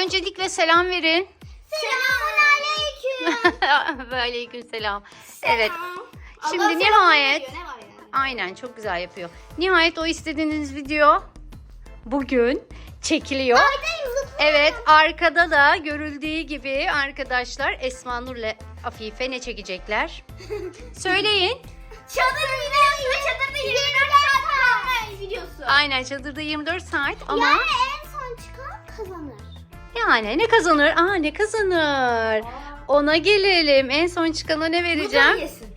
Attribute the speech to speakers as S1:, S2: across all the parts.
S1: öncelikle selam verin.
S2: Selamünaleyküm.
S1: Aleykümselam. Evet. Şimdi nihayet. Aynen, çok güzel yapıyor. Nihayet o istediğiniz video bugün çekiliyor. Evet, arkada da görüldüğü gibi arkadaşlar Esma Nur'la Afife ne çekecekler? Söyleyin.
S2: Çadır videosu ve çadırda 24 saat videosu.
S1: Aynen, çadırda 24 saat ama
S2: Yani en son çıkan kazanır.
S1: yani ne kazanır? Ne kazanır? Ona gelelim. En son çıkana ne vereceğim?
S2: yesin.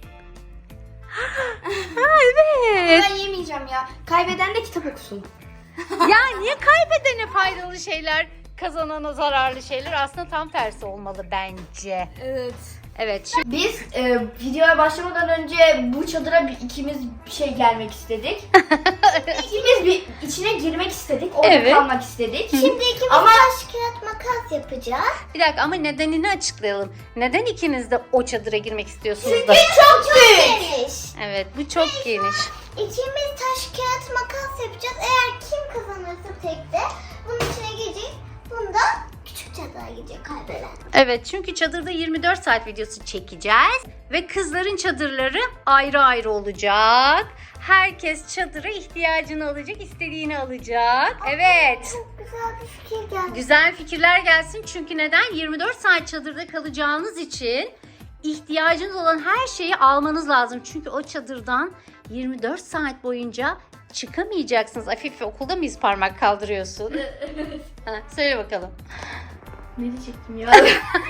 S1: Evet.
S2: Ben yemeyeceğim ya. Kaybeden de kitap okusun.
S1: Ya niye kaybedene faydalı şeyler, kazanana zararlı şeyler? Aslında tam tersi olmalı bence.
S2: Evet.
S1: Evet. Şimdi
S3: Biz videoya başlamadan önce bu çadıra ikimiz gelmek istedik. İkimiz bir içine girmek istedik. Orada
S1: Evet.
S3: kalmak istedik.
S2: Şimdi ikimiz
S3: Ama-
S2: taş kağıt makas yapacağız.
S1: bir dakika, ama nedenini açıklayalım. Neden ikiniz de o çadıra girmek istiyorsunuz da?
S3: Çok büyük.
S2: Geniş.
S1: Evet, bu çok geniş.
S2: İkimiz taş kağıt makas yapacağız. Eğer kim kazanırsa tekte bunun içine girecek. Bunda küçük çadıra girecek kaybeden.
S1: Evet, çünkü çadırda 24 saat videosu çekeceğiz ve kızların çadırları ayrı ayrı olacak. Herkes çadıra ihtiyacını alacak, istediğini alacak. Evet.
S2: Çok güzel bir fikir geldi.
S1: Güzel fikirler gelsin, çünkü neden? 24 saat çadırda kalacağınız için ihtiyacınız olan her şeyi almanız lazım. Çünkü o çadırdan 24 saat boyunca çıkamayacaksınız. Afife, okulda mıyız parmak kaldırıyorsun? Söyle bakalım.
S3: Ne diyecektim ya?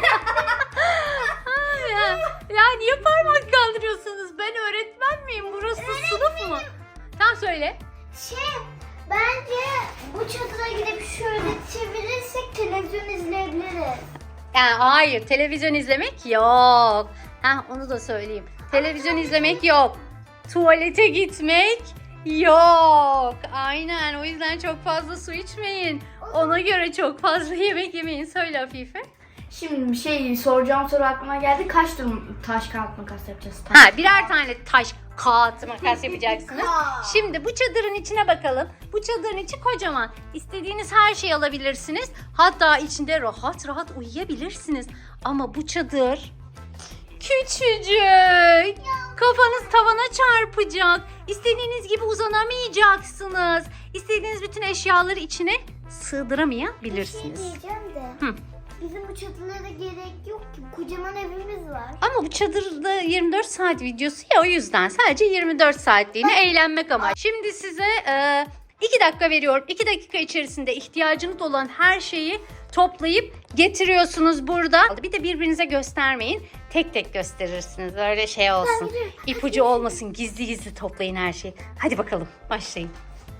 S1: Ya niye parmak kaldırıyorsunuz? Ben öğretmen miyim? Burası sınıf mı? Tamam, söyle.
S2: Bence bu çadıra gidip şöyle çevirirsek televizyon izleyebiliriz.
S1: Yani hayır, televizyon izlemek yok. Onu da söyleyeyim. Televizyon izlemek yok. Tuvalete gitmek yok. Aynen, o yüzden çok fazla su içmeyin. Ona göre çok fazla yemek yemeyin. Söyle Afife.
S3: Şimdi soracağım soru aklıma geldi. Kaç taş kağıt makas yapacağız?
S1: Birer tane taş, kağıt, makas yapacaksınız. Şimdi bu çadırın içine bakalım. Bu çadırın içi kocaman. İstediğiniz her şeyi alabilirsiniz. Hatta içinde rahat rahat uyuyabilirsiniz. Ama bu çadır küçücük. Kafanız tavana çarpacak. İstediğiniz gibi uzanamayacaksınız. İstediğiniz bütün eşyaları içine sığdıramayabilirsiniz.
S2: Bir şey diyeceğim de.
S1: Hı.
S2: Bizim bu çadılara gerek yok ki. Kocaman evimiz var.
S1: Ama bu çadırda 24 saat videosu ya, o yüzden sadece 24 saatliğine eğlenmek ama. Şimdi size 2 dakika veriyorum. 2 dakika içerisinde ihtiyacınız olan her şeyi toplayıp getiriyorsunuz burada. Bir de birbirinize göstermeyin. Tek tek gösterirsiniz. Öyle şey olsun. İpucu olmasın. Gizli gizli toplayın her şeyi. Hadi bakalım, başlayın.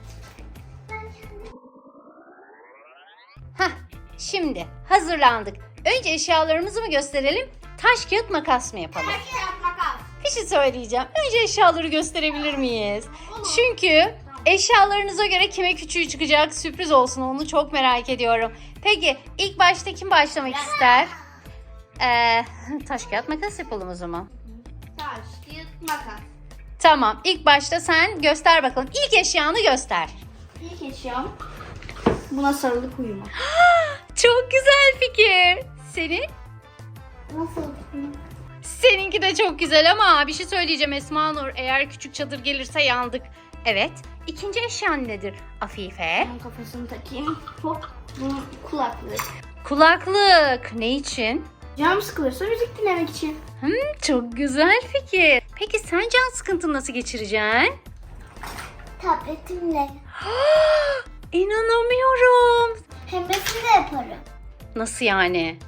S1: Şimdi hazırlandık. Önce eşyalarımızı mı gösterelim? Taş kağıt makas mı yapalım?
S2: Taş kağıt makas.
S1: Bir şey söyleyeceğim. Önce eşyaları gösterebilir miyiz? Çünkü eşyalarınıza göre kime küçüğü çıkacak, sürpriz olsun, onu çok merak ediyorum. Peki ilk başta kim başlamak ister? Taş kağıt makas yapalım o zaman.
S2: Taş kağıt makas.
S1: Tamam, ilk başta sen göster bakalım. İlk eşyanı göster.
S3: İlk eşyam buna sarılıp uyumak.
S1: Çok güzel fikir. Senin?
S2: Nasıl?
S1: Seninki de çok güzel ama bir şey söyleyeceğim Esma Nur. Eğer küçük çadır gelirse yandık. Evet. İkinci eşyan nedir Afife?
S3: Bunun kafasını takayım. Hop. Bunun kulaklık.
S1: Kulaklık. Ne için?
S3: Canım sıkılırsa müzik dinlemek için.
S1: Çok güzel fikir. Peki sen can sıkıntını nasıl geçireceksin?
S2: Tabletimle.
S1: İnanamıyorum.
S2: Hem resim de yaparım.
S1: Nasıl yani?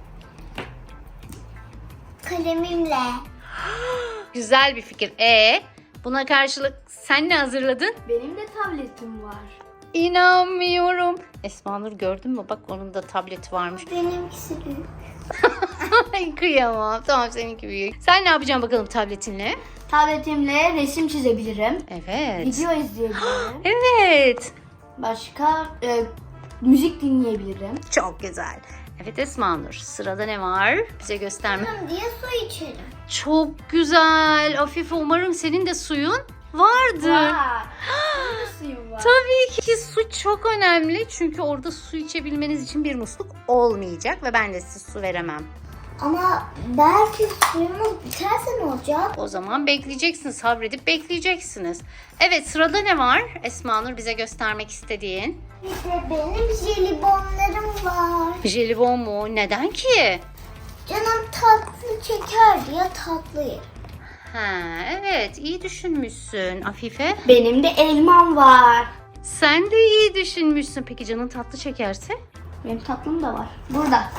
S2: Kalemimle.
S1: Güzel bir fikir. Buna karşılık sen ne hazırladın?
S3: Benim de tabletim var.
S1: İnanmıyorum. Esma Nur, gördün mü? Bak, onun da tableti varmış.
S2: Benimkisi büyük.
S1: Ay, kıyamam. Tamam, seninki büyük. Sen ne yapacaksın bakalım tabletinle?
S3: Tabletimle resim çizebilirim.
S1: Evet.
S3: Video izleyebilirim.
S1: Evet.
S3: Başka müzik dinleyebilirim.
S1: Çok güzel. Evet Esma Nur, sırada ne var? Bize gösterme.
S2: Diye su içerim.
S1: Çok güzel. Afife, umarım senin de suyun Vardır.
S3: Var. Burada suyum var.
S1: Tabii ki su çok önemli. Çünkü orada su içebilmeniz için bir musluk olmayacak ve ben de size su veremem.
S2: Ama belki suyumuz biterse ne olacak?
S1: O zaman bekleyeceksiniz. Sabredip bekleyeceksiniz. Evet, sırada ne var? Esma Nur bize göstermek istediğin.
S2: Bir de benim jelibonlarım var.
S1: Jelibon mu? Neden ki?
S2: Canım tatlı çeker diye tatlı yer.
S1: Ha, evet, iyi düşünmüşsün Afife.
S3: Benim de elmam var.
S1: Sen de iyi düşünmüşsün. Peki canın tatlı çekerse?
S3: Benim tatlım da var. Burada.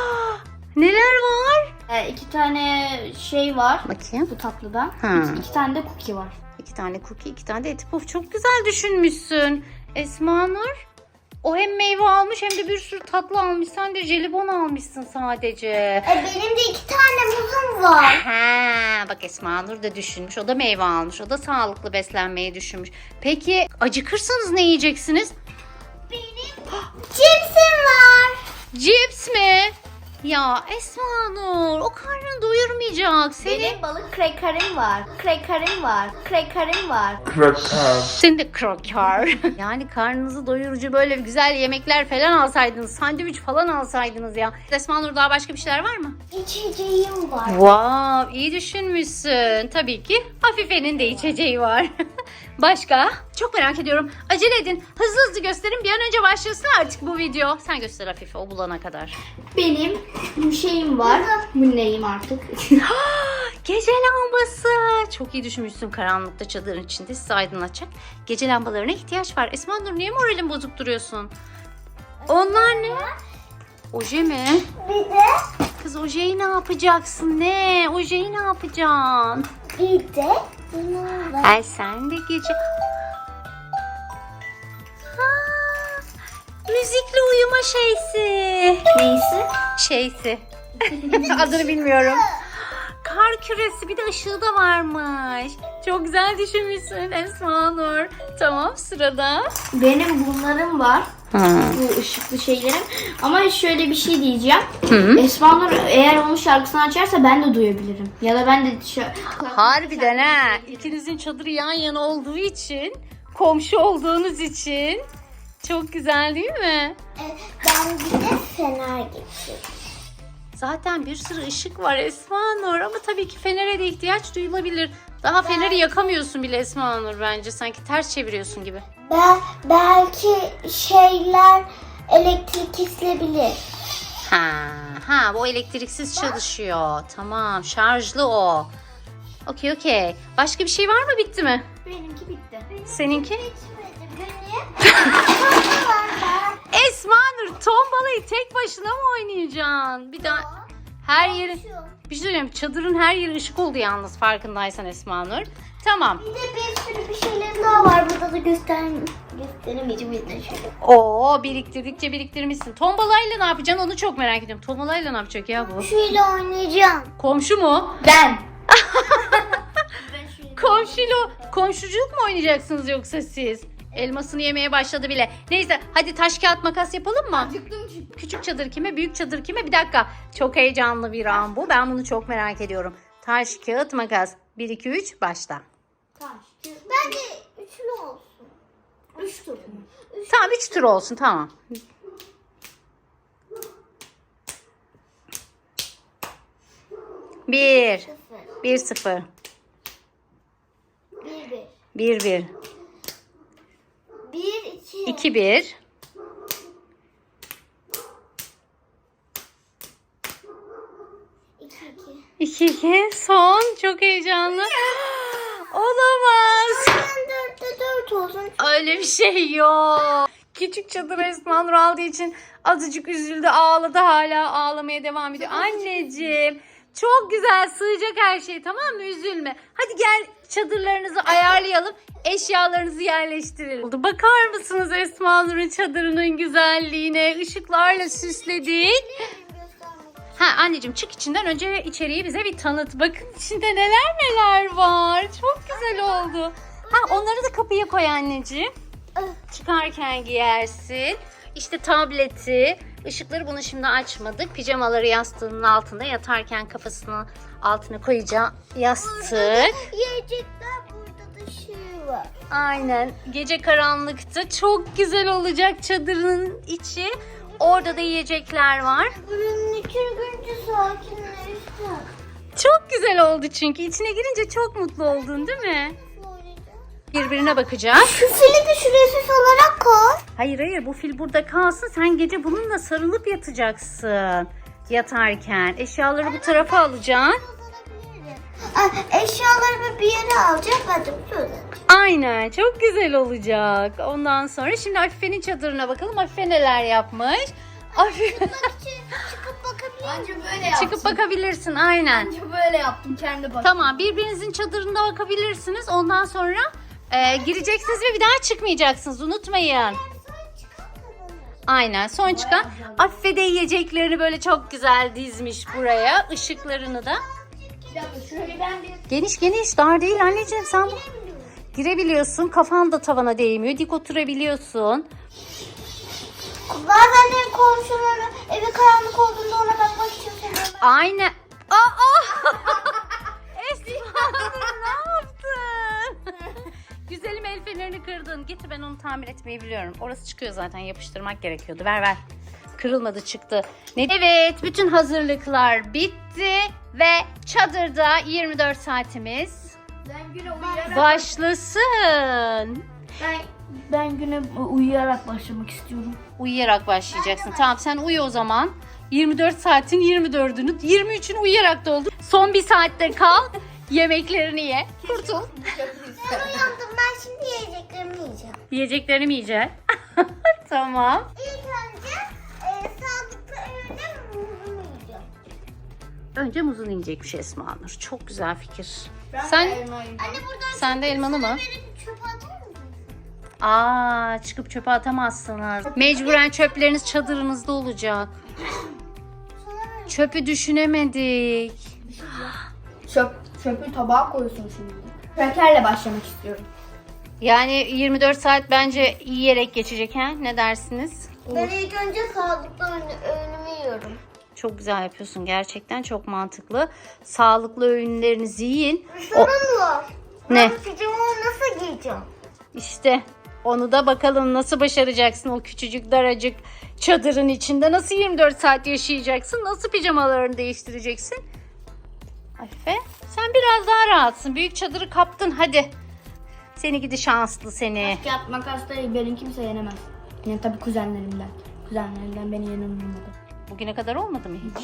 S1: Neler var?
S3: 2 tane şey var.
S1: Bakayım.
S3: Bu tatlıdan.
S1: Ha.
S3: 2 tane de cookie var.
S1: 2 tane cookie, 2 tane de eti puf. Çok güzel düşünmüşsün. Esma Nur, o hem meyve almış hem de bir sürü tatlı almış. Sen de jelibon almışsın sadece.
S2: Benim de 2 tane muzum var.
S1: Ha, bak Esma Nur da düşünmüş. O da meyve almış. O da sağlıklı beslenmeyi düşünmüş. Peki acıkırsanız ne yiyeceksiniz?
S2: Benim cipsim var.
S1: Cips mi? Ya Esma Nur, o karnını doyurmayacak.
S3: Benim balık krekerim var. Krekerim var. Krekerim var.
S1: Senin de kroker. Yani karnınızı doyurucu böyle güzel yemekler falan alsaydınız. Sandviç falan alsaydınız ya. Esma Nur, daha başka bir şeyler var mı?
S2: İçeceğim var.
S1: Wow, iyi düşünmüşsün. Tabii ki Afife'nin de içeceği var. Başka? Çok merak ediyorum. Acele edin. Hızlı hızlı gösterin. Bir an önce başlasın artık bu video. Sen göster Afife, o bulana kadar.
S3: Benim şeyim var. Bu neyim artık?
S1: Gece lambası. Çok iyi düşünmüşsün, karanlıkta çadırın içinde sizi aydınlatacak. Gece lambalarına ihtiyaç var. Esma Nur, niye moralin bozuk duruyorsun? Onlar ne? Oje mi?
S2: Bir de
S1: Kız, ojeyi ne yapacaksın? Ne? Ojeyi ne yapacaksın?
S2: bir de bunun var.
S1: Ay sen de gece... Ha, müzikli uyuma şeysi.
S3: Neyse.
S1: Şeysi. Adını bilmiyorum. Kar küresi, bir de ışığı da varmış. Çok güzel düşünmüşsün Esma Nur. Tamam, sırada.
S3: Benim bunlarım var. Bu ışıklı şeylerim. Ama şöyle bir şey diyeceğim. Esma Nur eğer onun şarkısını açarsa ben de duyabilirim. Ya da ben de
S1: Harbiden ha. İkinizin çadırı yan yana olduğu için, komşu olduğunuz için çok güzel değil mi?
S2: Ben bir de fener getirdim.
S1: Zaten bir sürü ışık var Esma Nur, ama tabii ki fenere de ihtiyaç duyulabilir. Daha feneri yakamıyorsun bile Esma Nur bence. Sanki ters çeviriyorsun gibi.
S2: Belki şeyler elektrik kesilebilir.
S1: Ha, bu elektriksiz çalışıyor. Tamam, şarjlı o. Okey. Başka bir şey var mı? Bitti mi?
S3: benimki bitti.
S1: Seninki?
S2: Bitmedi benim.
S1: Esma Nur, tombalayı tek başına mı oynayacaksın? Bir daha her yeri... Bir şey söyleyeyim. Çadırın her yeri ışık oldu yalnız, farkındaysan Esma Nur. Tamam.
S2: Bir de bir sürü bir şeylerim daha var. Burada da gösteremeyeceğim. Bir şöyle.
S1: Oo, biriktirmişsin. Tombalayla ne yapacaksın? Onu çok merak ediyorum. Tombalayla ne yapacak ya bu?
S2: Şöyle oynayacağım.
S1: Komşu mu?
S3: Ben.
S1: Komşuculuk mu oynayacaksınız yoksa siz? Elmasını yemeye başladı bile. Neyse, hadi taş kağıt makas yapalım mı? Küçük çadır kime, büyük çadır kime? Bir dakika. Çok heyecanlı bir an bu. Ben bunu çok merak ediyorum. Taş kağıt makas. 1 2 3 başla.
S2: Bence üçlü olsun. 3 tur.
S1: Tamam, 3 tur olsun, tamam. Bir. 1-0.
S2: 1
S1: 1-1.
S2: 1 2
S1: 2-1.
S2: 2
S1: 2-2. Son. Çok heyecanlı. Olamaz.
S2: Ben 4'te 4 olsun.
S1: Öyle bir şey yok. Küçük çadır Esma Nur aldığı için azıcık üzüldü, ağladı, hala ağlamaya devam ediyor. Anneciğim, çok güzel, sığacak her şey, tamam mı? Üzülme. Hadi gel, çadırlarınızı ayarlayalım, eşyalarınızı yerleştirelim. Bakar mısınız Esma Nur'un çadırının güzelliğine? Işıklarla süsledik. Ha anneciğim, çık içinden, önce içeriği bize bir tanıt. Bakın içinde neler var. Çok güzel oldu. Ha, onları da kapıya koy anneciğim. Çıkarken giyersin. İşte tableti. Işıkları bunu şimdi açmadık. Pijamaları yastığının altında, yatarken kafasını altına koyacağı yastık.
S2: Yiyecekler burada dışı. var.
S1: Aynen. Gece karanlıkta çok güzel olacak çadırın içi. Orada da yiyecekler var.
S2: Buranın içi görünce sakinleşti.
S1: Çok güzel oldu çünkü. İçine girince çok mutlu oldun değil mi? Birbirine bakacağız.
S2: Şu fili de şuraya süs olarak koy.
S1: Hayır bu fil burada kalsın. Sen gece bununla sarılıp yatacaksın. Yatarken. Eşyaları bu tarafa alacaksın.
S2: Eşyalarımı bir yere alacağım. Ben de böyle.
S1: Aynen. Çok güzel olacak. Ondan sonra şimdi Afife'nin çadırına bakalım. Afife neler yapmış. Afife
S2: Çıkıp bakabilir miyim?
S3: Bence böyle yaptım.
S1: çıkıp bakabilirsin. Aynen.
S3: Bence böyle yaptım kendi bak.
S1: Tamam. Birbirinizin çadırına bakabilirsiniz. Ondan sonra gireceksiniz ve bir daha çıkmayacaksınız. Unutmayın. Aynen. Son çıkan Afife de yiyeceklerini böyle çok güzel dizmiş buraya. Işıklarını da.
S3: Bir dakika şöyle ben bir...
S1: Geniş dar değil anneciğim, sen bu. Girebiliyorsun, kafan da tavana değmiyor, dik oturabiliyorsun.
S2: Bazen de komşuları evi karanlık olduğunda ona bakmak için söylüyorum.
S1: Aynen. Esma ne yaptın? Güzelim, el fenerini kırdın. Getir, ben onu tamir etmeyi biliyorum. Orası çıkıyor zaten, yapıştırmak gerekiyordu. Ver. Kırılmadı, çıktı. Evet, bütün hazırlıklar bitti ve çadırda 24 saatimiz
S3: Ben güne uyuyarak...
S1: başlasın.
S3: Ben güne uyuyarak başlamak istiyorum.
S1: Uyuyarak başlayacaksın. Tamam, sen uyu o zaman. 24 saatin 24'ünü, 23'ünü uyuyarak doldur. Son bir saatte kal. Yemeklerini ye. Kurtul.
S2: Ben uyandım. Ben şimdi yiyeceklerimi yiyeceğim.
S1: Yiyeceklerini mi yiyeceksin? Tamam.
S2: İlk önce sağlıklı öğünde muzumu yiyeceğim.
S1: Önce muzunu yiyecekmiş Esma Nur. Çok güzel fikir.
S3: Ben
S1: Sen
S3: de elma yiyeceğim.
S2: Anne buradan
S1: Sen de elmanı mı?
S2: verip çöpe atar mısın?
S1: Çıkıp çöpe atamazsınız. Mecburen çöpleriniz çadırınızda olacak.
S2: Sonra
S1: Çöpü düşünemedik.
S3: Çöpü tabağa koyuyorsun şimdi. Krakerle başlamak istiyorum.
S1: Yani 24 saat bence yiyerek geçecek ha? Ne dersiniz?
S2: ben ilk önce sağlıklı öğünümü yiyorum.
S1: Çok güzel yapıyorsun gerçekten, çok mantıklı. Sağlıklı öğünlerinizi yiyin.
S2: Sorun var.
S1: Ne?
S2: Ben pijamamı nasıl giyeceğim?
S1: İşte onu da bakalım nasıl başaracaksın o küçücük daracık çadırın içinde. Nasıl 24 saat yaşayacaksın? Nasıl pijamalarını değiştireceksin? Afife, sen biraz daha rahatsın. Büyük çadırı kaptın, hadi. Seni gidi şanslı seni.
S3: Kağıt makasla beni kimse yenemez. Yani tabii kuzenlerimden. Kuzenlerimden beni yenilmedi.
S1: Bugüne kadar olmadı mı hiç?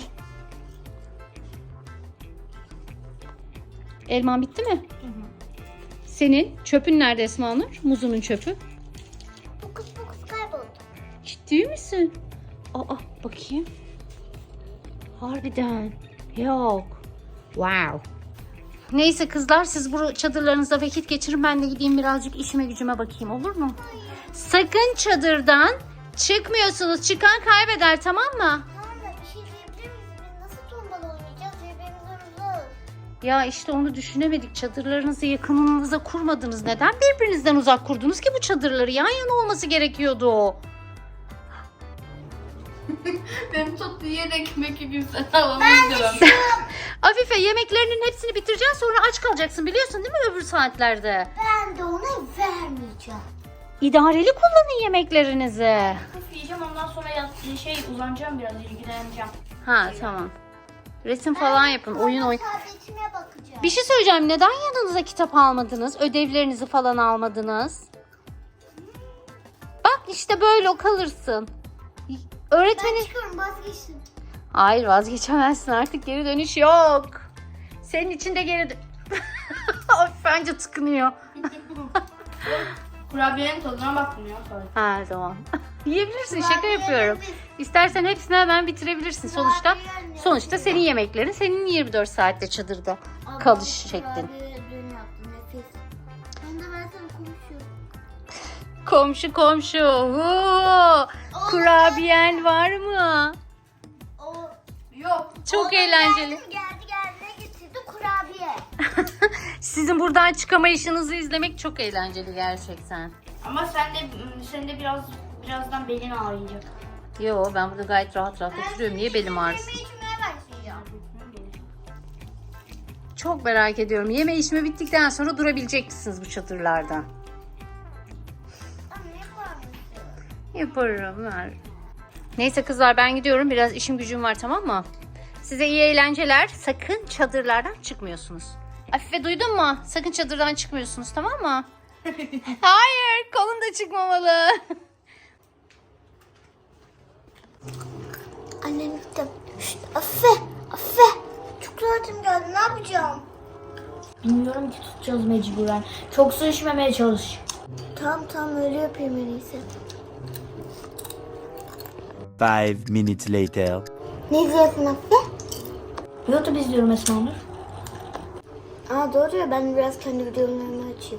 S1: Elman bitti mi? Senin çöpün nerede Esma Nur? Muzunun çöpü.
S2: Fokus kayboldu.
S1: Ciddi misin? Bakayım. Harbiden. Yok. Wow. Neyse kızlar, siz bu çadırlarınızda vakit geçirin. Ben de gideyim birazcık işime gücüme bakayım, olur mu? Sakın çadırdan çıkmıyorsunuz. Çıkan kaybeder, tamam mı?
S2: Tamam da bir şey diyebilir miyiz? Biz nasıl tombala oynayacağız? Birbirimizden uzak.
S1: Ya işte onu düşünemedik. Çadırlarınızı yakınınıza kurmadınız. Neden birbirinizden uzak kurdunuz ki bu çadırları? Yan yana olması gerekiyordu.
S3: Benim çok diğer ekmek kimse alamayacağım.
S1: Afife, yemeklerinin hepsini bitireceksin, sonra aç kalacaksın, biliyorsun değil mi öbür saatlerde?
S2: Ben de ona vermeyeceğim.
S1: İdareli kullanın yemeklerinizi.
S3: Yiyeceğim ondan sonra uzanacağım biraz, ilgileneceğim.
S1: Ha tamam. Resim falan yapın, oyun.
S2: Tabletime bakacağım.
S1: Bir şey söyleyeceğim. Neden yanınıza kitap almadınız? Ödevlerinizi falan almadınız? Bak işte böyle kalırsın.
S2: Ben
S1: Öğretmenin...
S2: çıkıyorum, vazgeçtim.
S1: Hayır, vazgeçemezsin, artık geri dönüş yok. Senin için de geri dön... Bence tıkınıyor.
S3: Kurabiyenin tadına baktım ya.
S1: Ha tamam. Yiyebilirsin, şaka yapıyorum. İstersen hepsini hemen bitirebilirsin. Sonuçta senin yemeklerin, senin 24 saatte çadırda kalış şeklin.
S2: Dün yaptım, nefis. Ben sana konuşuyorum.
S1: Komşu. Huu! Kurabiyen var mı?
S3: Yok.
S1: Çok eğlenceli.
S2: Geldi ne getirdi? Kurabiye.
S1: Sizin buradan çıkamayışınızı izlemek çok eğlenceli gerçekten.
S3: Ama sen de birazdan belin ağrıyacak.
S1: Yo, ben burada gayet rahat oturuyorum. Niye belim ağrısın?
S2: Yemeği içmeye başlayacağım.
S1: Çok merak ediyorum. Yeme içme bittikten sonra durabilecek misiniz bu çadırlarda?
S2: Anne yapar mısın?
S1: Yaparım ver. Neyse kızlar ben gidiyorum. Biraz işim gücüm var, tamam mı? Size iyi eğlenceler. Sakın çadırlardan çıkmıyorsunuz. Afife duydun mu? Sakın çadırdan çıkmıyorsunuz, tamam mı? Hayır, kolun da çıkmamalı.
S2: Annem gitti. Şşt, Afife. Afife. Çok tuvaletim geldi. Ne yapacağım?
S3: Bilmiyorum ki, tutacağız mecburen. Çok su içmemeye çalış.
S2: Tamam öyle yapayım en iyisi.
S4: 5 minutes later.
S2: Ne izliyorsun Afife?
S3: YouTube izliyorum Esma Nur.
S2: Aa doğru ya, ben biraz kendi videolarımı açayım.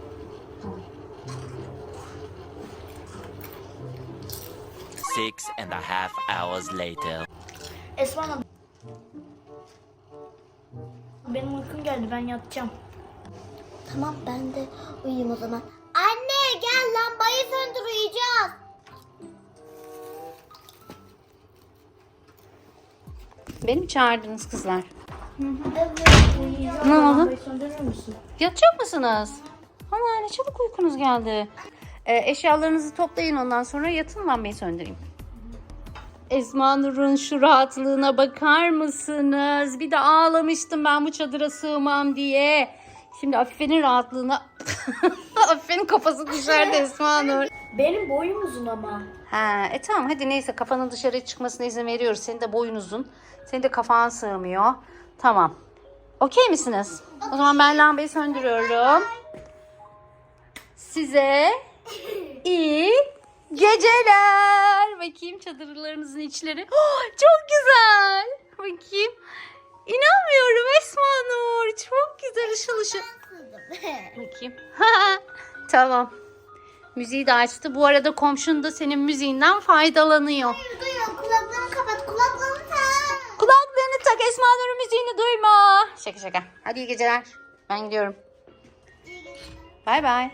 S4: Six and a half hours later.
S3: Esma Nur. Benim uykum geldi, ben yatacağım.
S2: Tamam ben de uyuyayım o zaman. Anne gel, lambayı söndür, uyuyacağız.
S1: Beni mi çağırdınız kızlar?
S2: Evet.
S1: Ne oldu?
S3: Lambayı söndürür müsün?
S1: Yatacak mısınız? Ama ne çabuk uykunuz geldi. Eşyalarınızı toplayın, ondan sonra yatın, ben beni söndüreyim. Esma Nur'un şu rahatlığına bakar mısınız? Bir de ağlamıştım ben bu çadıra sığmam diye. Şimdi Afife'nin rahatlığına... Afife'nin kafası dışarıda Esma Nur.
S3: Benim boyum uzun ama.
S1: Tamam hadi neyse, kafanın dışarı çıkmasına izin veriyoruz. Senin de boyun uzun. Senin de kafan sığmıyor. Tamam. Okey misiniz? O zaman ben lambayı söndürüyorum. Size iyi geceler. Bakayım çadırlarınızın içleri. Oh, çok güzel. Bakayım. İnanmıyorum Esma Nur. Çok güzel, ışıl ışıl. Bakayım. Tamam. Müziği de açtı. Bu arada komşun da senin müziğinden faydalanıyor.
S2: Duyuyor, kulaklarını kapat, kulaklarını tak.
S1: Kulaklarını tak, Esma Nur'un müziğini duyma. Şaka şaka. Hadi iyi geceler. Ben gidiyorum. Bay bay.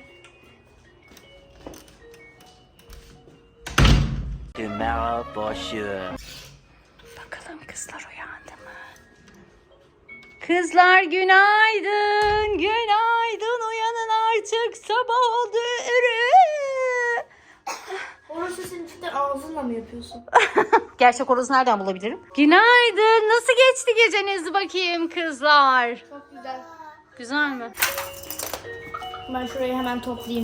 S4: Tomorrow for sure.
S1: Bakalım kızlar uyandı mı? Kızlar günaydın. Günaydın. Uyanın artık. Sabah oldu.
S3: Orası senin cidden ağzınla mı yapıyorsun?
S1: Gerçek orası nereden bulabilirim? Günaydın. Nasıl geçti geceniz bakayım kızlar?
S3: Çok güzel.
S1: Güzel mi?
S3: Ben şurayı hemen toplayayım.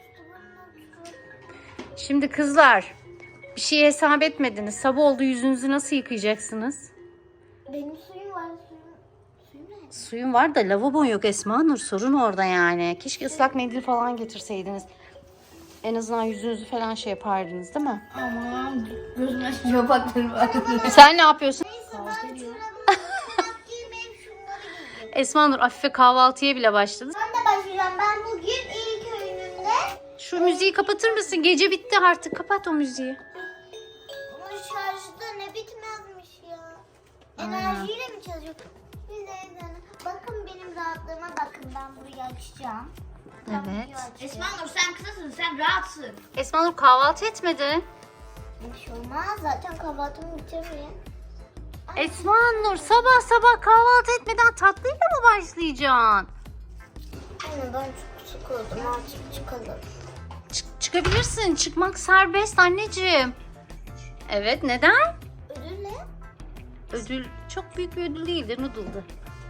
S1: Şimdi kızlar, bir şey hesap etmediniz. Sabah oldu, yüzünüzü nasıl yıkayacaksınız?
S2: Benim suyum var, suyum ne?
S1: Suyun var da lavabon yok Esma Nur. Sorun orada yani. Keşke ıslak mendil falan getirseydiniz. En azından yüzünüzü falan şey yapardınız değil mi?
S3: Aman gözümün açınca bakları var.
S1: Sen ne yapıyorsun?
S2: Ben giymeyeyim, şunları giyeyim.
S1: Esma Nur Afife kahvaltıya bile başladı.
S2: Ben de başlayacağım. Ben bugün ilk öğünümde
S1: Şu müziği kapatır mısın? Gece bitti artık. Kapat o müziği.
S2: bunun şarjı ne bitmezmiş ya. Enerjiyle mi çalışıyor? Bir de bakın benim rahatlığıma bakın. Ben burayı açacağım.
S1: Evet.
S3: Esma Nur sen kızasın, sen rahatsın.
S1: Esma Nur kahvaltı etmedi.
S2: Bir şey olmaz. Zaten kahvaltımı bitirmeyeyim.
S1: Esma Nur sabah sabah kahvaltı etmeden tatlıyla mı başlayacaksın?
S2: Anne ben çok sıkıldım. Artık çıkalım.
S1: Çıkabilirsin. Çıkmak serbest anneciğim. Evet, neden?
S2: Ödül ne?
S1: Ödül çok büyük bir ödül değildir. Noodle'dı.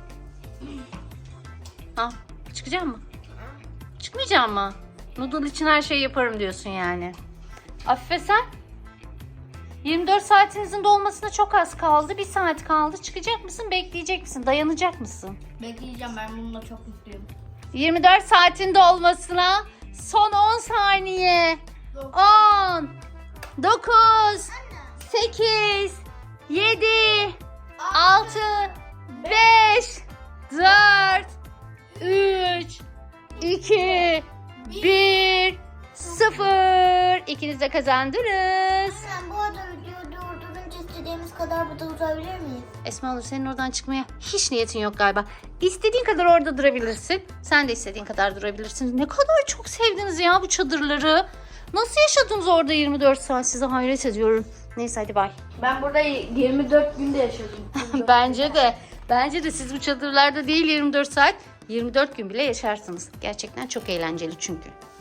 S1: Çıkacak mı? Çıkmayacak mı? Noodle için her şeyi yaparım diyorsun yani. Afife sen? 24 saatinizin dolmasına çok az kaldı. 1 saat kaldı. Çıkacak mısın? Bekleyecek misin? Dayanacak mısın?
S3: Bekleyeceğim, ben bununla çok mutluyum.
S1: 24 saatin dolmasına son 10 saniye. 10 9 8 7 6 5 4 3 2 1 0. İkiniz de kazandınız.
S2: Anne bu arada videoyu durdurunca istediğimiz kadar burada durabilir miyiz?
S1: Esma Nur senin oradan çıkmaya hiç niyetin yok galiba. İstediğin kadar orada durabilirsin. Sen de istediğin kadar durabilirsin. Ne kadar çok sevdiniz ya bu çadırları. Nasıl yaşadınız orada 24 saat, size hayret ediyorum. Neyse hadi bay.
S3: Ben burada 24 günde yaşadım.
S1: Bence de. Bence de siz bu çadırlarda değil 24 saat, 24 gün bile yaşarsınız. Gerçekten çok eğlenceli çünkü.